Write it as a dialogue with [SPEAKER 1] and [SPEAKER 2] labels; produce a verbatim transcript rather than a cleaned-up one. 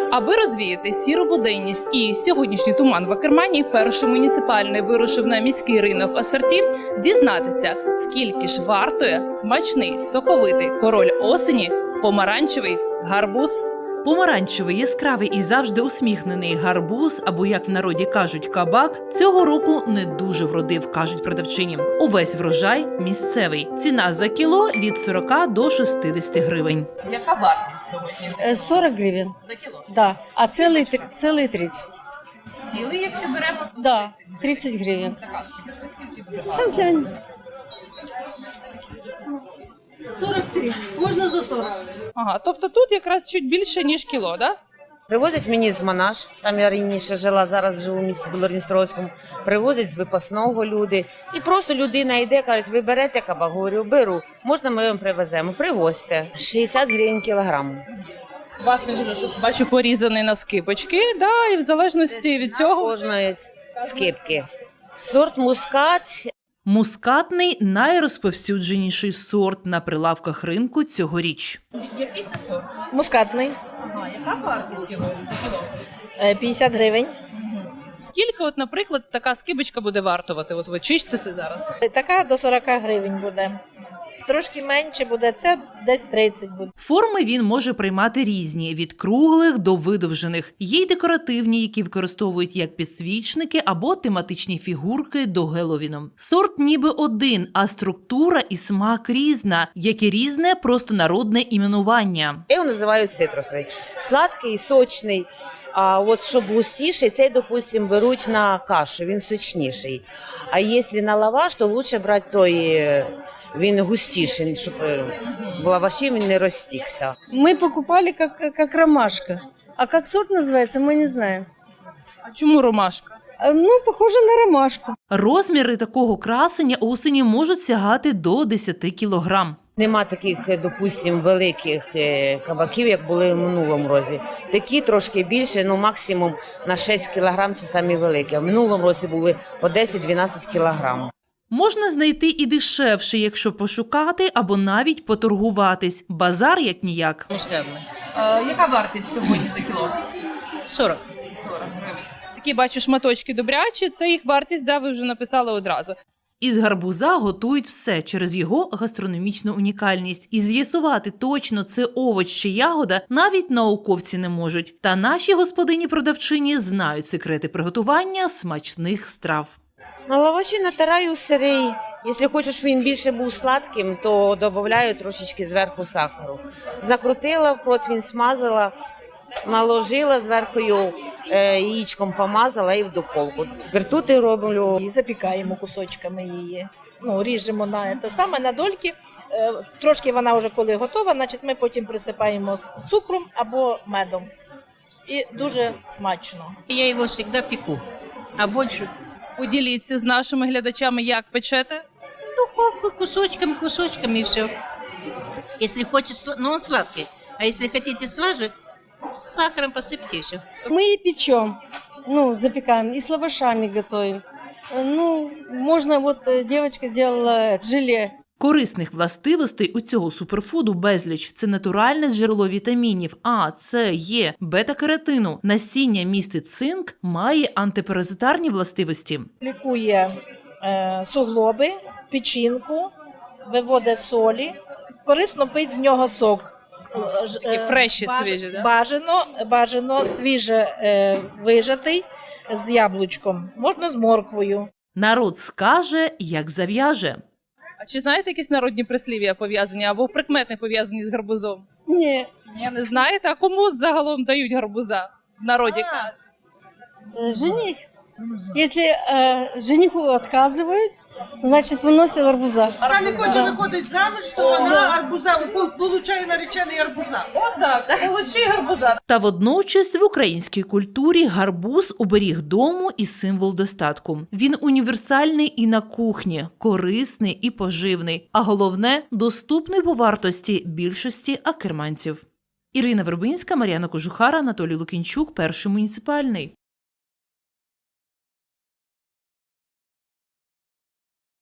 [SPEAKER 1] Аби розвіяти сіру буденність і сьогоднішній туман в Акермані, перший муніципальний вирушив на міський ринок Осорті дізнатися, скільки ж вартує смачний, соковитий король осені – помаранчевий гарбуз.
[SPEAKER 2] Помаранчевий, яскравий і завжди усміхнений гарбуз, або, як в народі кажуть, кабак, цього року не дуже вродив, кажуть продавчині. Увесь врожай місцевий. Ціна за кіло від сорока до шістдесяти гривень.
[SPEAKER 1] Яка вартість сьогодні?
[SPEAKER 3] сорок гривен,
[SPEAKER 1] За кіло?
[SPEAKER 3] да. А целый, три- целый тридцать.
[SPEAKER 1] Цілий, якщо беремо?
[SPEAKER 3] Да, тридцать гривен.
[SPEAKER 1] Така скільки?
[SPEAKER 3] Сейчас глянем. сорок три. Можно за сорок.
[SPEAKER 1] Ага, тобто тут якраз чуть більше, ніж кіло, да?
[SPEAKER 4] Привозять мені з Монаш, там я раніше жила, зараз живу в місті Білорністровському. Привозять з Випасного люди. І просто людина йде, кажуть, ви берете кабак? Говорю, беру. Можна ми вам привеземо? Привозьте. шістдесят гривень кілограм.
[SPEAKER 1] У вас він дуже, бачу, порізаний на скибочки, да, і в залежності від цього...
[SPEAKER 4] Кожної скипки. Сорт мускат.
[SPEAKER 2] Мускатний – найрозповсюдженіший сорт на прилавках ринку цьогоріч.
[SPEAKER 1] Який це сорт?
[SPEAKER 5] Мускатний,
[SPEAKER 1] Ага, яка вартість його за кіло?
[SPEAKER 5] е, п'ятдесят гривень.
[SPEAKER 1] Скільки, от, наприклад, така скибочка буде вартувати? От ви чистите зараз?
[SPEAKER 5] Така до сорок гривень буде. Трошки менше буде, це десь тридцять буде.
[SPEAKER 2] Форми він може приймати різні – від круглих до видовжених. Є й декоративні, які використовують як підсвічники або тематичні фігурки до Геловіну. Сорт ніби один, а структура і смак різна, як і різне простонародне іменування.
[SPEAKER 4] Я його називаю цитрусовий. Сладкий, сочний. А от щоб густіший, цей, допустим, беруть на кашу, він сочніший. А якщо на лаваш, то краще брати той, е, він густіший, щоб е, в лаваші він не розтікся.
[SPEAKER 3] Мы покупали как, как ромашка. А как сорт называется, мы не знаем.
[SPEAKER 1] А чому ромашка?
[SPEAKER 3] А, Ну, похоже на ромашку.
[SPEAKER 2] Розміри такого красення осені можуть сягати до десяти кілограм.
[SPEAKER 4] Нема таких, е, допустим, великих е, кабаків, як були в минулому році. Такі трошки більше, ну максимум на шість кілограм це самі великі. А в минулому році були по десять-дванадцять кілограм.
[SPEAKER 2] Можна знайти і дешевше, якщо пошукати або навіть поторгуватись. Базар як-ніяк.
[SPEAKER 1] А, яка вартість сьогодні за кіло?
[SPEAKER 4] сорок.
[SPEAKER 1] сорок гривень. Такі, бачу, шматочки добрячі, це їх вартість, да, ви вже написали одразу.
[SPEAKER 2] Із гарбуза готують все через його гастрономічну унікальність. І з'ясувати точно, це овоч чи ягода, навіть науковці не можуть. Та наші господині-продавчині знають секрети приготування смачних страв.
[SPEAKER 4] На лаваші натираю сирий. Якщо хочеш, щоб він більше був сладким, то додаю трошечки зверху сахару. Закрутила, противень смазала, наложила зверху е, яєчком помазала і в духовку. Вертути роблю.
[SPEAKER 5] І запікаємо кусочками її. Ну, ріжемо на те саме на дольки. Е, Трошки вона вже коли готова, значить ми потім присипаємо цукром або медом. І дуже смачно.
[SPEAKER 6] Я его всегда пеку, а больше
[SPEAKER 1] Поділіться з нашими глядачами, як печете.
[SPEAKER 6] духовку кусочками, кусочками и все. Если хочешь, сла- но он сладкий. А если хотите слаже, с сахаром посыпьте и все.
[SPEAKER 3] Мы и печем, ну, запекаем, и с лавашами готовим. Э, Ну, можно, вот э, девочка делала э, желе.
[SPEAKER 2] Корисних властивостей у цього суперфуду безліч. Це натуральне джерело вітамінів А, С, Е, бета-каротину. Насіння містить цинк, має антипаразитарні властивості.
[SPEAKER 5] Лікує е, суглоби, печінку, виводить солі. Корисно пити з нього сок. Ж-
[SPEAKER 1] Такі
[SPEAKER 5] е,
[SPEAKER 1] фреші
[SPEAKER 5] баж-
[SPEAKER 1] свіжі, да?
[SPEAKER 5] Бажано, бажано свіже е, вижатий з яблучком. Можна з морквою.
[SPEAKER 2] Народ скаже, як зав'яже.
[SPEAKER 1] А чи знаєте якісь народні прислів'я пов'язані або прикмети пов'язані з гарбузом?
[SPEAKER 3] Не,
[SPEAKER 1] Я не знаєте, а кому загалом дають гарбуза в народі?
[SPEAKER 3] э, жених. Если э, жениху отказывают, значит, выносят арбуза.
[SPEAKER 7] Вона не хоче
[SPEAKER 3] Да.
[SPEAKER 7] виходить заміж, то вона арбуза получає наречений арбуза.
[SPEAKER 1] Отак, получи гарбуза.
[SPEAKER 2] Та водночас в українській культурі гарбуз – оберіг дому і символ достатку. Він універсальний і на кухні, корисний і поживний, а головне – доступний по вартості більшості акерманців. Ірина Вербинська, Мар'яна Кожухара, Анатолій Лукінчук, Перший муніципальний.